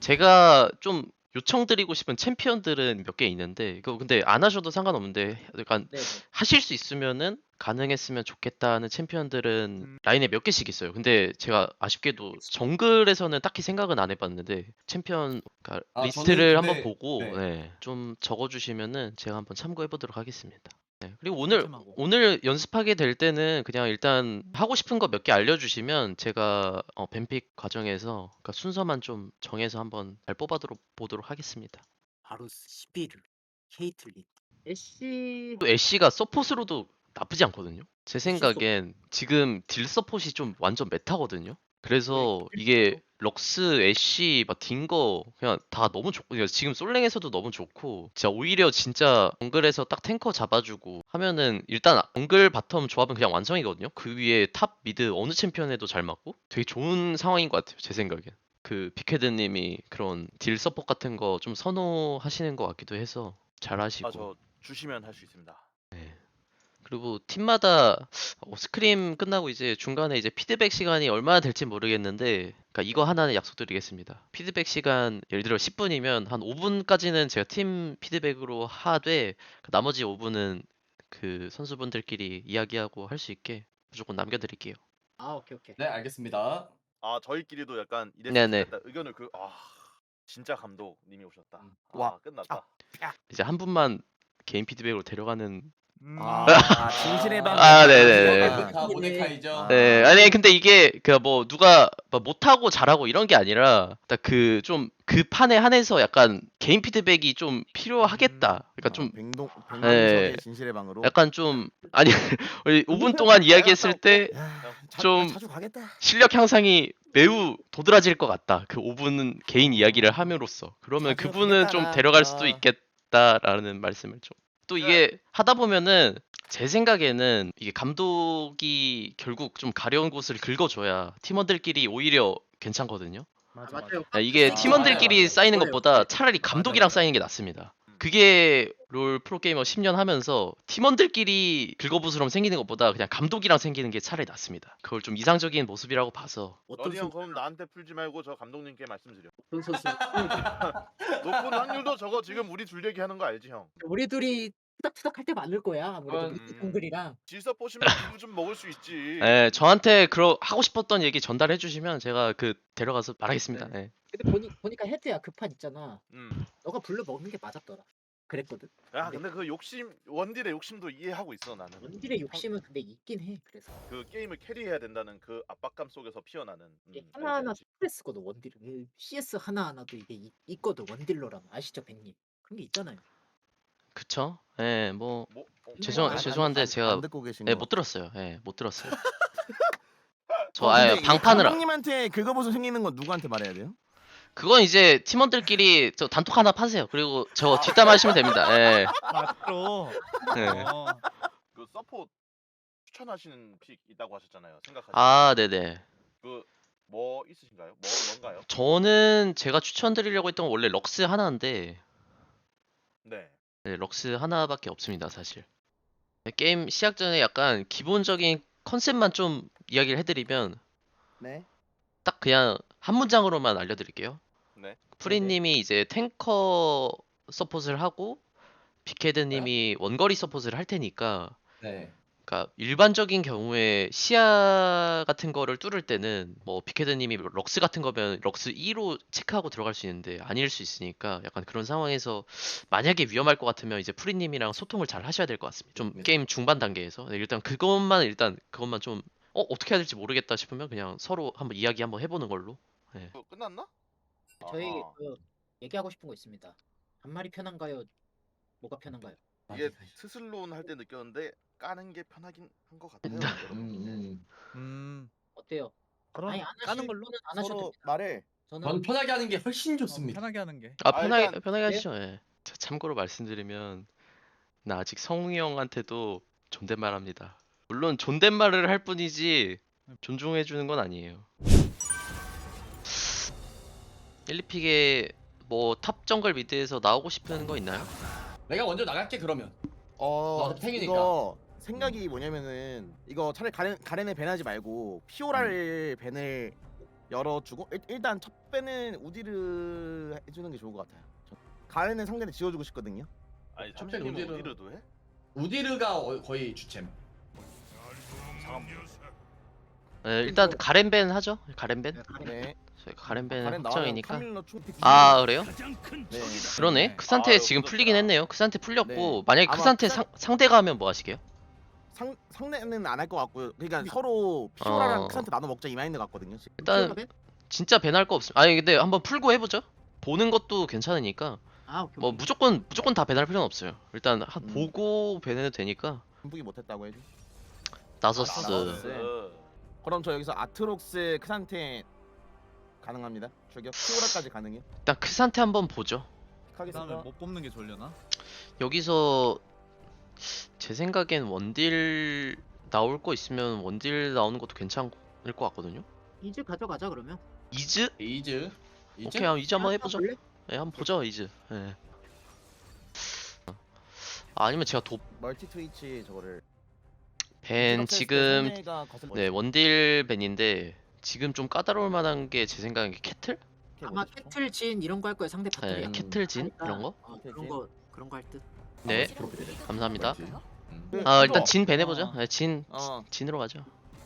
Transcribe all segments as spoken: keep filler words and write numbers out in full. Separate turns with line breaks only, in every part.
제가 좀 요청드리고 싶은 챔피언들은 몇 개 있는데 이거 근데 안 하셔도 상관없는데 약간
네네.
하실 수 있으면은 가능했으면 좋겠다는 챔피언들은
음.
라인에 몇 개씩 있어요. 근데 제가 아쉽게도 정글에서는 딱히 생각은 안 해봤는데 챔피언 그러니까
아,
리스트를
저는
한번
근데-
보고
네.
네, 좀 적어주시면은 제가 한번 참고해보도록 하겠습니다. 네, 그리고 오늘
템템하고.
오늘 연습하게 될 때는 그냥 일단 하고 싶은 거 몇 개 알려주시면 제가 어, 뱀픽 과정에서 그러니까 순서만 좀 정해서 한번 잘 뽑아보도록 보도록 하겠습니다.
바루스, 시비르, 케이틀린.
애쉬
또 애쉬가 서폿으로도 나쁘지 않거든요. 제
애쉬
생각엔 지금 딜 서폿이 좀 완전 메타거든요. 그래서
네,
이게 럭스, 애쉬, 막 딩거 그냥 다 너무 좋고 그러니까 지금 솔랭에서도 너무 좋고 진짜 오히려 진짜 정글에서 딱 탱커 잡아주고 하면은 일단 정글 바텀 조합은 그냥 완성이거든요. 그 위에 탑 미드 어느 챔피언에도 잘 맞고 되게 좋은 상황인 것 같아요. 제 생각엔. 그 빅헤드님이 그런 딜 서폿 같은 거 좀 선호하시는 것 같기도 해서 잘 하시고.
아 저 주시면 할 수 있습니다.
그리고 팀마다 어, 스크림 끝나고 이제 중간에 이제 피드백 시간이 얼마나 될지 모르겠는데, 그러니까 이거 하나는 약속드리겠습니다. 피드백 시간 예를 들어 십 분이면 한 오 분까지는 제가 팀 피드백으로 하되 그 나머지 오 분은 그 선수분들끼리 이야기하고 할 수 있게 무조건 남겨드릴게요.
아 오케이 오케이.
네, 알겠습니다.
아 저희끼리도 약간
네네.
이랬으면 좋겠다 의견을 그 아 진짜 감독님이 오셨다.
음.
아
와.
끝났다.
이제 한 분만 개인 피드백으로 데려가는.
음.
아, 진실의 방.
아, 네네.
모데카, 모데카이죠.
아.
네, 아니 근데 이게 그 뭐 누가 뭐 못하고 잘하고 이런 게 아니라 딱 그 좀 그 판에 한해서 약간 개인 피드백이 좀 필요하겠다. 그러니까 좀
백동
네.
백만석의 진실의 방으로.
약간 좀 아니 우리 오 분 동안 이야기했을 때
야, 자,
좀-
자주 가겠다.
실력 향상이 매우 도드라질 것 같다. 그 오 분은 개인 이야기를 함으로써 그러면
자주
그분은 좀
가겠다.
데려갈
아.
수도 있겠다라는 말씀을 좀. 또 이게 하다 보면은 제 생각에는 이게 감독이 결국 좀 가려운 곳을 긁어줘야 팀원들끼리 오히려 괜찮거든요.
맞아,
맞아요.
아, 이게
아,
팀원들끼리
맞아요.
쌓이는
그거예요,
것보다
그거예요.
차라리 감독이랑
맞아요.
쌓이는 게 낫습니다. 그게 롤 프로게이머 십 년 하면서 팀원들끼리 긁어부스럼 생기는 것보다 그냥 감독이랑 생기는 게 차라리 낫습니다. 그걸 좀 이상적인 모습이라고 봐서.
어떤
러니 형
선
그럼 나한테 풀지 말고 저 감독님께 말씀드려.
어떤 선수?
높은 확률도 저거 지금 우리 둘 얘기하는 거 알지 형?
우리 둘이 투닥투닥 할 때 맞을 거야 아무래도
음.
밑에 동글이랑.
질서 보시면 기분 좀 먹을 수 있지.
예, 저한테 그러 하고 싶었던 얘기 전달해 주시면 제가 그 데려가서 말하겠습니다.
네.
예.
근데 보니 보니까 헤드야 그 판 있잖아.
음.
너가 불러 먹는 게 맞았더라. 그랬거든.
야 근데 그 욕심 원딜의 욕심도 이해하고 있어 나는.
원딜의 욕심은 근데 있긴 해. 그래서
그 게임을 캐리해야 된다는 그 압박감 속에서 피어나는. 음,
이게
알지,
하나하나
알지.
스트레스거든 원딜은. 그 씨에스 하나하나도 이게 이- 있거든 원딜러라면. 아시죠 백님? 그런 게 있잖아요.
그쵸? 예, 뭐
뭐 어,
죄송
안-
죄송한데
안,
제가
안 듣고 계신
예,
거.
못 들었어요. 예, 못 들었어요. 저
어,
아예
근데 이게
방판을 아-
감독님한테 긁어보서 생기는 건 누구한테 말해야 돼요?
그건 이제 팀원들끼리 저 단톡 하나 파세요. 그리고 저 뒷담 하시면 됩니다. 예.
맞죠.
예.
어.
그 서포 추천하시는 픽 있다고 하셨잖아요. 생각하시는.
아, 네네.
그뭐 있으신가요? 뭐 뭔가요?
저는 제가 추천드리려고 했던 건 원래 럭스 하나인데
네.
네, 럭스 하나밖에 없습니다, 사실. 네, 게임 시작 전에 약간 기본적인 컨셉만 좀 이야기를 해드리면
네.
딱 그냥 한 문장으로만 알려드릴게요.
네.
프리님이 이제 탱커 서폿을 하고 빅헤드님이 원거리 서폿을 할 테니까,
네.
그러니까 일반적인 경우에 시야 같은 거를 뚫을 때는 뭐 빅헤드님이 럭스 같은 거면 럭스 이로 체크하고 들어갈 수 있는데 아닐 수 있으니까 약간 그런 상황에서 만약에 위험할 것 같으면 이제 프리님이랑 소통을 잘 하셔야 될 것 같습니다. 좀
네.
게임 중반 단계에서 네, 일단 그것만 일단 그것만 좀 어, 어떻게 해야 될지 모르겠다 싶으면 그냥 서로 한번 이야기 한번 해보는 걸로.
그 끝났나?
저희
아하.
그 얘기하고 싶은 거 있습니다. 반말이 편한가요? 뭐가 편한가요?
이게 스슬론 할 때 느꼈는데 까는 게 편하긴 한 것 같아요.
음,
여러분.
음,
음.
어때요?
그럼
아니 안
까는
하시는
걸로
걸로는 안 하셔도
서로
됩니다.
말해.
음.
저는
전 편하게 하는 게 훨씬
어,
좋습니다.
편하게 하는 게.
아,
아,
편하게
일단-
편하게 하시죠. 예. 자, 참고로 말씀드리면 나 아직 성웅이 형한테도 존댓말합니다. 물론 존댓말을 할 뿐이지 존중해 주는 건 아니에요. 일, 이 픽에 뭐 탑 정글 미드에서 나오고 싶은 거 있나요?
내가 먼저 나갈게 그러면.
어,
너 탱이니까.
이거 생각이 뭐냐면은 이거 차라리 가렌 가렌을 밴하지 말고 피오라를 밴을 열어주고 일, 일단 첫 배는 우디르 해주는 게 좋을 것 같아요. 저- 가렌은 상대를 지워주고 싶거든요.
아니
첫
참새님
번째 우디르.
우디르도 해?
우디르가 어- 거의 주챔.
상암
네, 일단 가렌벤 하죠. 가렌벤.
네, 가렌.
네.
저희가 가렌벤
가렌 나와요.
확정이니까.
카밀러 충
아 그래요?
네.
그러네.
네.
크산테
아유,
지금
그렇구나.
풀리긴 했네요. 크산테 풀렸고
네.
만약에
아마
크산테
크산-
상, 상대가 하면 뭐 하시게요?
상 상대는 안 할 것 같고요. 그러니까 서로 피오라랑
어.
크산테 나눠 먹자 이 마인드 같거든요. 지금.
일단 진짜 밴할 거 없음. 아니 근데 한번 풀고 해보죠. 보는 것도 괜찮으니까
아 오케이.
뭐
오케이.
무조건 무조건 다 밴할 필요는 없어요. 일단 한
음.
보고 밴해도 되니까.
분부기 못했다고 해도.
나서스.
나서스.
그럼 저 여기서 아트록스 크산테 가능합니다. 저기요. 피오라까지 가능해요.
일단 크산테 한번 보죠.
그다음에
하겠습니다.
뭐 뽑는 게 좋려나?
여기서 제 생각엔 원딜 나올 거 있으면 원딜 나오는 것도 괜찮을 것 같거든요.
이즈 가져가자 그러면.
이즈?
이즈. 이즈.
오케이, 한번 이즈 한번 해보죠.
볼래?
네, 한번 보죠 이즈. 네. 아, 아니면 제가 도
멀티 트위치 저거를
밴
이렇게
지금
했을 때 상대가 거슬-
네 원딜 밴인데 지금 좀 까다로울 만한 게 제 생각엔 캐틀?
이렇게
아마
보고 싶어.
캐틀 진 이런 거 할 거야 상대
네,
파트리야.
음.
캐틀 진
하니까,
이런 거?
어, 그런 거 그런 거 할 듯.
네,
프로필.
감사합니다.
음.
그,
아
이거-
일단 진 밴 해보죠. 네, 진
어.
진으로 가죠.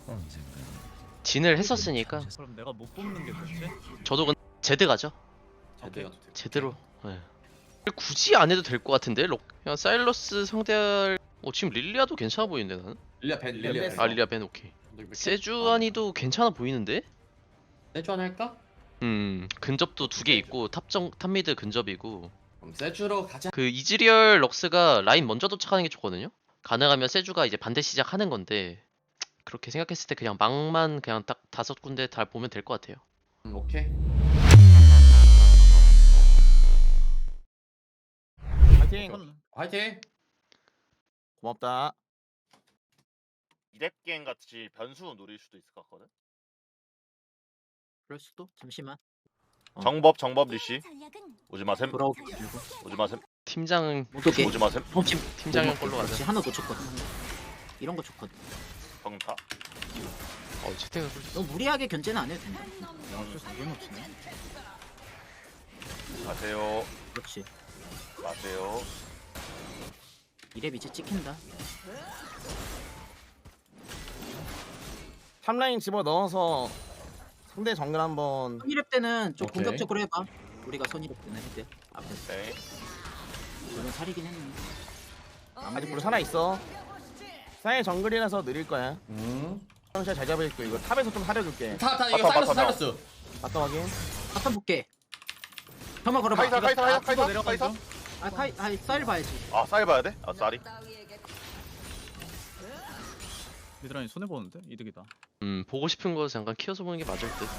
진을 했었으니까
그럼 내가 못 뽑는 게 좋지?
저도 근 제드 가죠.
제대로.
제대로. 네. 굳이 안 해도 될 것 같은데 록 그냥 사일러스 상대할 어 지금 릴리아도 괜찮아 보이는데 나는.
릴리아 벤. 릴리아
벤
벤.
아 릴리아 밴 오케이. 세주안이도 괜찮아 보이는데?
세주 하나 할까?
음 근접도 두 개 있고 탑정 탑미드 근접이고
그럼 세주로 가자.
그 이즈리얼 럭스가 라인 먼저 도착하는 게 좋거든요. 가능하면 세주가 이제 반대 시작하는 건데 그렇게 생각했을 때 그냥 막만 그냥 딱 다섯 군데 다 보면 될 것 같아요.
음, 오케이.
파이팅.
화이팅.
고맙다.
이랩 게임 같이 변수 노릴 수도 있을 것 같거든.
그럴 수도. 잠시만. 어.
정법 정법 리시 오지 마셈.
돌아오기 들고.
오지 마셈.
팀장
못 오게.
오지 마셈.
멈춤.
팀장형 걸로 가자.
그렇지, 하나 놓쳤거든. 이런 거 좋거든.
방금 다.
어 채팅을
너무 무리하게 견제는 안 해도 된다.
양수 잘못 놓치네.
마세요.
그렇지.
마세요.
이랩 이제 찍힌다.
탑라인 집어 넣어서 상대 정글 한번
선이랩 때는 좀
오케이.
공격적으로 해봐. 우리가 선이랩 때는 해대. 앞에서.
네.
저는 살이긴 했네.
아직 불 살아 있어. 사이 정글이라서 느릴 거야.
음.
잘 잡을 거 이거 탑에서 좀 사려줄게.
타타 이거
바텀,
사이러스
바텀,
사이러스.
바텀 확인.
바텀 볼게. 혐오 걸어봐.
카이사
이거-
카이사
아,
카이사 카이사
내려가죠?
카이사.
아 카이 아 쌀 봐야지.
아 쌀 봐야 돼? 아 쌀이.
미드라인 손해 보는데 이득이다.
음 보고 싶은 거 잠깐 키워서 보는 게 맞을 듯.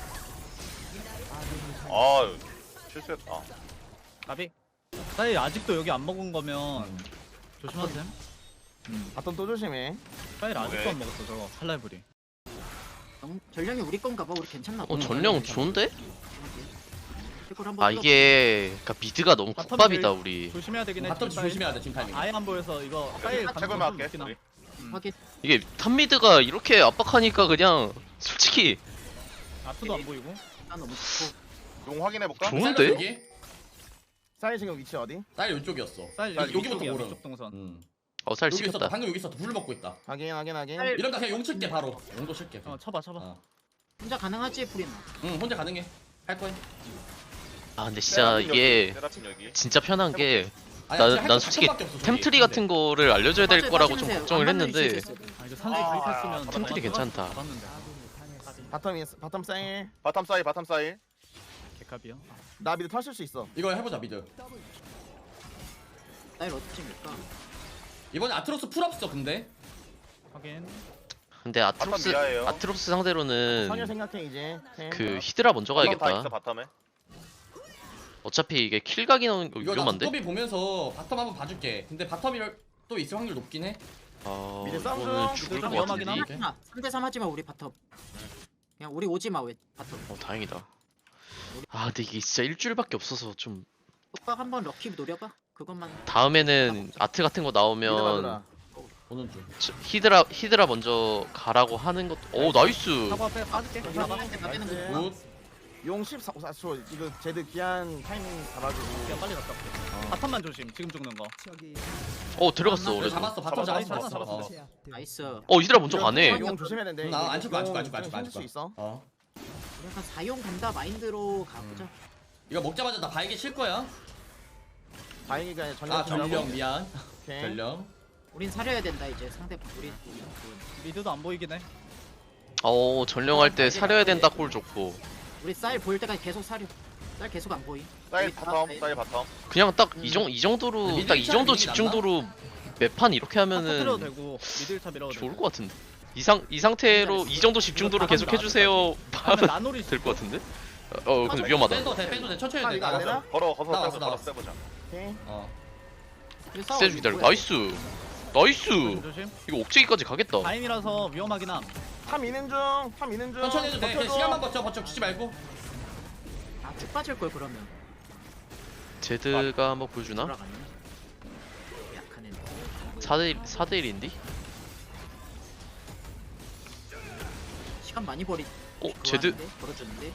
아 실수했다.
까비. 사이 아직도 여기 안 먹은 거면
음.
조심하세요. 음.
바텀 또 조심해.
사이 아직도
오케이.
안 먹었어 저거 칼날부리.
음, 전령이 우리 건가 봐. 우리 괜찮나 봐.
어 전령 좋은데?
이걸 한번
아 이게 그러니까 미드가 너무
바텀이
국밥이다
제일-
우리.
조심해야 되긴 해.
바텀
지금 사이.
조심해야 돼 지금 타이밍.
아예 안 보여서 이거 사이
최고만
가능성
할게.
높긴 함.
우리.
음.
하게
이게 탑미드가 이렇게 압박하니까 그냥 솔직히
앞도 안 보이고.
일단 너무 좋고.
용 확인해 볼까?
좋은데?
사이러스 여기?
사이 지금 위치 어디?
사이 이쪽이었어.
사이
아,
여기
여기부터
위쪽이야,
보름.
위쪽 동선.
음.
어살
여기 있었다.
시켰다.
방금 여기 있었다. 불 먹고 있다.
확인 확인 확인.
쌀-
이러다 그냥 용 칠게 바로. 용도 칠게.
어 쳐봐 쳐봐.
어.
혼자 가능하지 프린.
응 혼자 가능해. 할 거야.
아 근데 진짜 이게
세라핀 여기.
진짜 편한 게
아니,
난-
진짜 할거
난 솔직히
바텀밖에 없어, 저기.
템트리 같은 거를 알려줘야 될
빠져-
거라고 좀
빠지면
걱정을
돼요. 안 만나면
했는데
있을 수 있어.
아 이거 산지
아,
가입했으면
템트리 괜찮다.
봤는데.
바텀 있- 바텀 사이.
바텀 사이 바텀 사이.
개값이요.
나 미드 터질 수 있어.
이거 해보자 미드.
쌀 어떻게 밀까?
이번에 아트로스 풀 없어 근데.
확인.
근데 아트록스
미아예요.
아트록스 상대로는
선여 생각해 이제. 템.
그 히드라 먼저
바텀 다 있어
가야겠다.
바텀에.
어차피 이게 킬각이 나오는 거
이거 나
위험한데?
두꺼비 보면서 바텀 한번 봐줄게. 근데 바텀이 또 있을 확률 높긴 해.
아
미드 싸움
이거는
좀
죽을
좀
것
위험하긴
같은데
함.
이게?
삼 대 삼 하지 마 우리 바텀. 그냥 우리 오지 마 왜 바텀.
어 다행이다. 아 근데 이게 진짜 일주일밖에 없어서 좀
오빠 한번 럭키 노려봐. 그것만.
다음에는 아트 같은 거
미드
나오면
받으라.
보는 중.
저- 히드라 히드라 먼저 가라고 하는 것도 오 나이스.
사과 빼 빠질게.
나가 나가는 거.
굿.
용 십사 초 이거 제드 귀한 타이밍 잡아주고.
그냥 빨리 갔다 올게.
어.
바텀만 조심. 지금 죽는 거.
어 들어갔어
그래,
그래도.
잡았어 바텀
잡았어,
잡았어
잡았어,
잡았어.
잡았어.
나이스.
어 이들아 먼저 가네.
용 조심해야 되는데.
나안 칠거 안 칠거 안 칠거 안 칠거 안
힘들 수
칠거.
있어.
어.
약간 사용 간다 마인드로 가보자.
이거 먹자마자 나 바이게 칠 거야.
다행히가 아니라 전략.
아 전령 미안.
오케이.
전령.
우린 사려야 된다 이제 상대 우리.
미드도 안 보이긴 해.
어 전령할 때 사려야 된다 콜 좋고.
우리 쌀 보일 때까지 계속 사려. 쌀 계속 안 보이.
사이
여기 다
바텀
사이.
사이 바텀.
그냥 딱
음.
이 정 이 정도로
미드
딱 이
일차
정도
미드
집중도로 매판 이렇게
터트려도
하면은
되고 미드 일 차 밀어도 되고.
좋을 것 같은데. 이상 이 상태로 이 정도 집중도로 계속 해주세요.
다음에
하면
나놀이
될 것 같은데. 어 어, 근데 위험하다.
빼도 돼 빼도 돼 천천히
아,
돼.
이거 안 되나?
걸어 걸어
나왔어,
빼보자 걸어
나왔어.
빼보자.
오케이.
어.
세주 기다려. 나이스. 나이스.
조심.
이거 옥제기까지 가겠다.
다인이라서 위험하긴 함.
탐 미는 중. 탐 미는 중.
천천히 해도 돼. 그냥
버텨줘.
시간만 버텨 버텨 주지 말고.
아쭉 빠질 걸 그러면.
제드가 한번 보여주나?
돌아가네. 약한 애.
사 대 일인디?
시간 많이 버리.
어
그거
제드
하는데? 벌어주는데.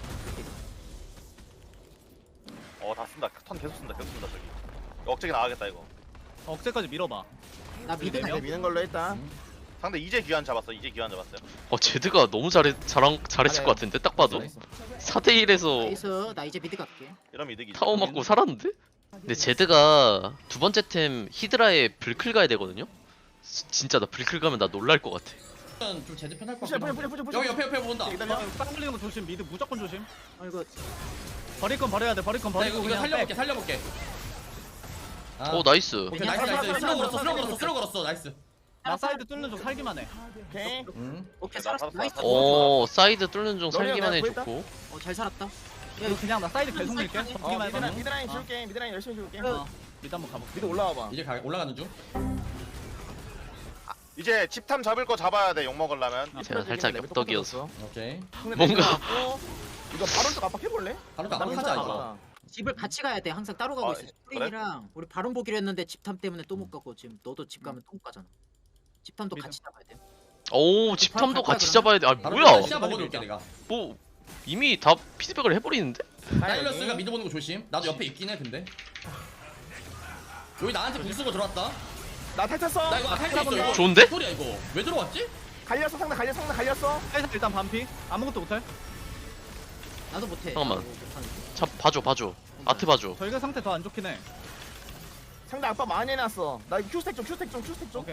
어다 쓴다. 턴 계속 쓴다 계속 쓴다 저기. 억제기 나가겠다 이거.
억제까지 밀어봐.
나 미드
네
가.
명?
네, 미는 걸로 일단.
상대 이제 귀환 잡았어. 이제 귀환 잡았어요.
어 제드가 너무 잘했 잘한 잘했을
잘해.
것 같은데 딱 봐도 사 대 일에서
나이스. 나 이제 미드 갈게.
이러면 이득이지.
타워 맞고 살았는데? 근데 제드가 두 번째 템 히드라에 불클 가야 되거든요? 지- 진짜 나 불클 가면 나 놀랄 것 같아.
좀 제대 편할 것
푸시
같아.
푸시 푸시 푸시.
여기 옆에 옆에 본다.
기다려.
땅 걸리는 거 조심. 미드 무조건 조심.
아 이거
버릴 건 버려야 돼. 버릴 건
나
버리고
이거 이거
그냥
살려볼게
빼.
살려볼게. 아.
오 나이스.
오케이
그냥
나이스
살아,
나이스.
살아,
슬로 걸었어
살아,
슬로
살아,
걸었어 슬로 걸었어 나이스.
나 사이드 뚫는 중 살기만 해.
오케이.
음.
오케이
나
살았어.
살았어,
나이스.
살았어.
오 사이드 뚫는 중
너네가
살기만 해
내가
좋고.
어잘 살았다.
이거 그냥 나 사이드 계속 밀게.
어,
어
버티기만 해봐.
미드라인 미드라인 지울게. 미드라인 열심히 지울게.
어. 미드 한번 가볼게.
미드 올라와봐.
이제 가 올라가는 중.
이제 집탐 잡을 거 잡아야 돼. 욕 먹으려면.
제가 살짝 엽떡이어서.
오케이.
뭔가-
이거 바로 쪽 압박 해볼래?
바로
나
나가자
괜찮아,
이거.
괜찮아.
집을 같이 가야 돼. 항상 따로 가고
아,
있어.
그래?
프린이랑 우리 바론 보기로 했는데 집탐 때문에 또 못 가고 지금 너도 집 가면 또 못 가잖아. 집탐도
미드.
같이 잡아야 돼.
오 집탐도
바로
같이
갈거야,
잡아야 돼. 아
바로
뭐야?
시야 먹어둘게 내가.
뭐 이미 다 피드백을 해버리는데?
사일러스가 미드 보는 거 조심. 나도 옆에 있긴 해 근데. 여기 나한테 궁 쓰고 들어왔다.
나 탈탔어.
나 이거 탈수 있어 이거.
좋은데?
소리야 이거. 왜 들어왔지?
갈렸어 상대 갈렸어 상대 갈렸어.
사이드 일단 반피. 아무것도 못해.
나도 못해.
잠깐만.
나도 못하는데.
자 봐줘 봐줘. 아트 봐줘.
저희가 상태 더 안 좋긴 해.
상대 압박 많이 해놨어. 나 이거 큐스택 좀 큐스택 좀 큐스택 좀.
오케이.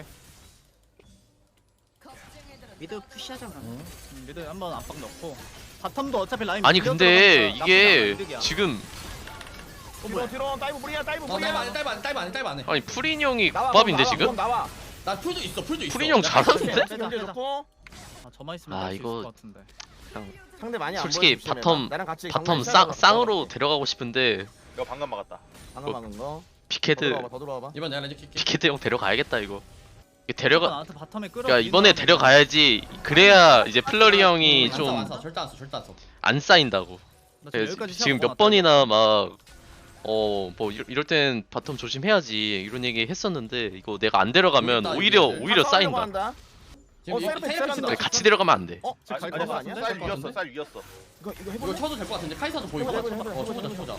미드 푸시하자 그러면.
음, 미드 한번 압박 넣고. 바텀도 어차피 라인
아니
밀려
근데
들어가니까
이게
나쁘지 않아, 이득이야.
지금
뒤로 뒤로 다이브 브리야 다이브
어
브리야.
딸바 안해 딸바 안해 딸바 안해 딸바 안해.
아니 프린 형이
나와,
국밥인데
나와,
지금?
나와.
나 풀도 있어 풀도 있어.
프린 형
나
잘하는데?
오케이,
빼자,
경제
빼자.
좋고.
아 저만 있으면
아,
아, 수
이거-
있을 것 같은데.
상대 많이 안
솔직히
보여주시면
바텀
나랑 같이
바텀
경기
쌍,
시작하자.
쌍으로 데려가고 싶은데
이거 방금 막았다.
방금 막은 거. 더
피케드
들어와봐 더 들어와봐.
이번 내가 렌즈 킬게.
피케드 형 데려가야겠다 이거. 이거 데려가
나한테 바텀에 끌어.
그러니까 이번에 데려가야지. 그래야 이제 플러리 형이
안 써,
좀
안 써. 절대 안 써. 절대 안 써.
안 쌓인다고.
나
그래서
여기까지 시합
지금 몇
먹어놨다.
번이나 막 어 뭐 이럴 땐 바텀 조심해야지 이런 얘기 했었는데 이거 내가 안 데려가면
모르겠다,
오히려
이게.
오히려
다 싸우려고
쌓인다.
한다.
지금
어,
이
사이드
테이블
시작한다.
친다.
그래, 같이 데려가면 안 돼.
어? 지금
아니,
갈거
아니,
아니야?
쌀
될것
위였어.
같은데?
쌀 위였어.
이거 이거
이거
해볼래?
쳐도 될 것 같은데 카이사도 보이고.
해보자, 해보자,
어 쳐보자
해보자,
쳐보자.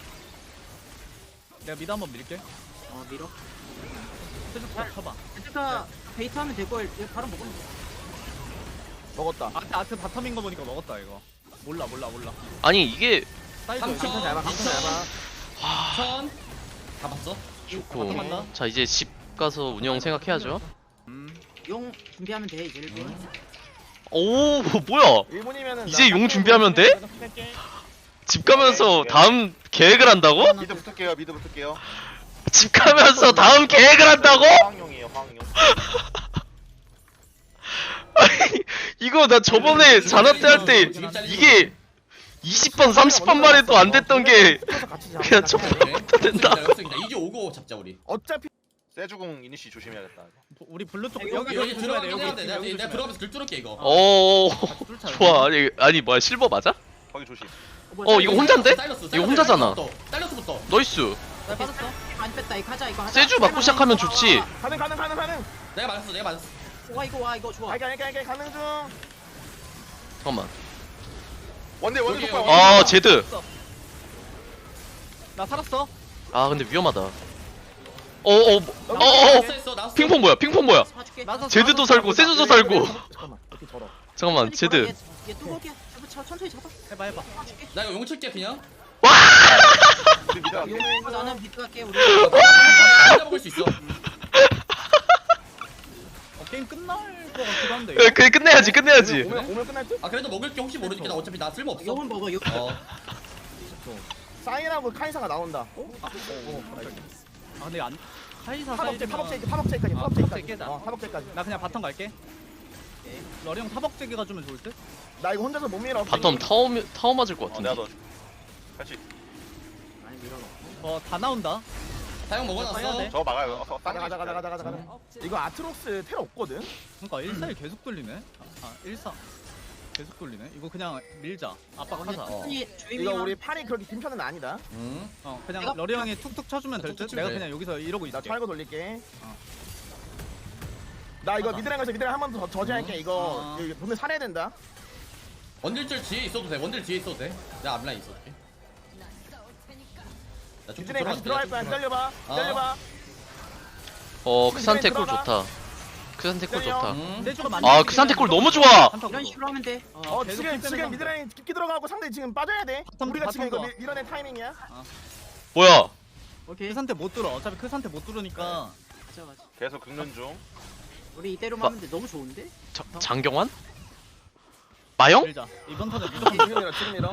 내가 미드 한번 밀게.
어 밀어.
세주부터 쳐봐.
헤드가 베이트 하면 되고 얘 바로 먹으면 돼.
먹었다.
아트 아트 바텀인 거 보니까 먹었다 이거. 몰라 몰라 몰라.
아니 이게
사이드
삼천.
강천 잘 봐. 강천 잘 봐.
천. 다 봤어?
좋고
바텀
자 이제 집 가서 운영 생각해야죠.
음.
용 준비하면 돼 이제 일본.
오 뭐야?
일 분이면은
이제 용 준비하면 돼? 집 가면서 다음 계획을 한다고?
미드 붙을게요. 미드 붙을게요.
집 가면서 다음 계획을 한다고?
황용이에요. 황용.
아니 이거 나 저번에 자나 때 할 때 이게 이십 번 삼십 번 만에도 안 됐던 게 그냥 첫 번부터 된다.
이제 오고 잡자 우리.
어차피
세주공 이니시 조심해야겠다.
우리 블루 쪽
여기,
여기
여기
여기 조심해야 돼.
들어가긴 해야 돼.
여기
내가
여기
내가
조심해.
들어가면서 글 뚫을게 이거.
오
같이 뚫자, 여기.
좋아. 아니 아니 뭐야 실버 맞아?
거기 조심.
어 이거 혼잔데?
사일러스,
이거
사일러스,
혼자잖아.
사일러스부터.
나이스.
나 빠졌어.
많이 뺐다 이거 하자 이거 하자.
세주 맞고 시작하면 좋지.
가능 가능 가능 가능.
내가 맞았어. 내가 맞았어.
와 이거 와 이거 좋아.
알게 알게 알게 가능 중.
잠깐만.
원딜 원딜
여기,
속박.
여기.
아 제드.
나 살았어.
아 근데 위험하다. 어어 어, 어, 어.
나왔어 했어 나왔어.
핑퐁 뭐야? 핑퐁 뭐야?
봐줄게.
나서
제드도 살고 세주도 살고.
잠깐만 이렇게 절어.
잠깐만 제드.
얘 뚜벅이야. 잡아, 쳐, 천천히 잡아.
해봐 해봐.
봐줄게.
나 이거 용 칠게 그냥.
우리 미드 갈게.
용 나는 미드 갈게. 우리.
먹을 수 있어.
어, 게임 끝날 것 같기도 한데.
그 그래 끝내야지 끝내야지.
오면 오면 끝날 듯?
아 그래도 먹을 게 혹시 모르니까 나 어차피 나 쓸모 없어.
용은 먹어. 용.
어.
사인하고 카이사가 나온다. 어?
아, 근데 안. 카이사
타박제
사이즈면-
타박제 타박제까지
아,
타박제까지.
타박제까지.
어 타박제까지.
나 그냥 바텀 갈게. 러리 형 타박제기가 주면 좋을 듯?
나 이거 혼자서 못 밀어.
바텀 타워 타워 맞을 것
어,
같은데.
내가 너 같이
많이 밀어넣고.
어, 다 나온다.
사용
해야
먹어놨어.
돼.
저거 막아요. 어,
가자 가자 가자 가자 가자 가자. 이거 아트록스 텔 없거든.
그러니까 일사일 계속 돌리네. 아, 일사. 계속 돌리네. 이거 그냥 밀자. 압박하자. 어,
천천히 주의미.
이거 우리 판이 그렇게 긴 편은 아니다.
응.
어, 그냥
내가-
러리 형이 툭툭 쳐주면 될 듯?
툭툭
내가
치면 돼.
그냥 여기서 이러고
나
있을게.
찰고 돌릴게.
어.
나 이거
맞아.
미드랑 가서 미드랑 한 번 더 저지할게. 이거
어.
이거 돈을 살아야 된다.
원딜줄 뒤에 있어도 돼. 원딜 뒤에 있어도 돼. 내가 앞라인 있어줄게. 나 좀
미드랑 다시 들어갈 거야. 기다려봐.
아.
기다려봐.
어 크산테 꿀 좋다. 크산테 꿀 좋다.
응.
세주가 많이
아
밀리긴
크산테 꿀
해.
너무 좋아.
한타고.
이런 식으로 하면 돼.
어
계속
지금
킬
지금
빼는
미드라인 깊게 들어가고 상대 지금 빠져야 돼.
바텀,
우리가 지금 이거
바텀
밀- 밀어낼 타이밍이야.
뭐야?
오케이.
그 상태 못 뚫어. 어차피 그 상태 못 뚫으니까.
가자 가자.
계속 긁는 중.
우리 이대로만
마-
하면 돼. 너무 좋은데?
자, 장경환? 마영?
밀자. 이번 턴에 무조건
지금 밀어 지금 밀어.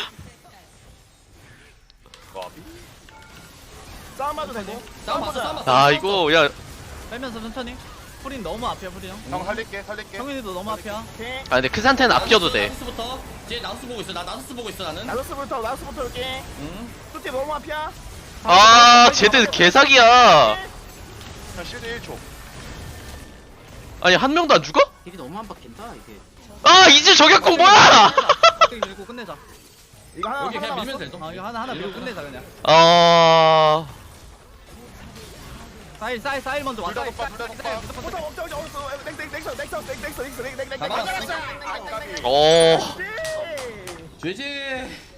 와,
싸움 봐도 되고.
싸움 봤어, 싸움 봤어.
아 이거 야
빼면서 천천히. 프린 너무 앞이야, 프린 형.
형 살릴게, 살릴게.
형인이도 너무 앞이야.
오케이.
아 근데 크산테는 아껴도 돼.
나우스부터. 뒤에 나우스 보고 있어. 나 나우스 보고 있어 나는.
나우스부터 나우스부터 올게.
응.
뚜띠 너무 앞이야.
아 제드 개사기야.
형 실드 일 초.
아니 한 명도 안 죽어?
딜이 너무 안 바뀐다 이게.
아 이제 저격공 뭐야?
갑자기 밀고 끝내자.
이거 하나
여기
하나
그냥
남았어.
밀면 될 동.
아, 이거 하나 하나 밀고 끝내자 그냥.
아
사일 사일 사일 먼저 와.
둘다
사일,
속박,
사일,
둘다
사일,
속박.
무조건
없다 없다 없다 없다. 넥, 넥, 넥서 넥서 넥, 넥서 넥서 넥서 넥, 넥, 넥, 넥,
가봐.
넥, 넥, 넥, 넥, 넥, 넥, 넥, 넥, 넥, 넥,
어.
넥, 넥, 넥, 넥, 넥, 넥, 넥, 넥, 넥, 넥, 넥, 넥, 넥, 넥, 넥, 넥, 넥,
죄지.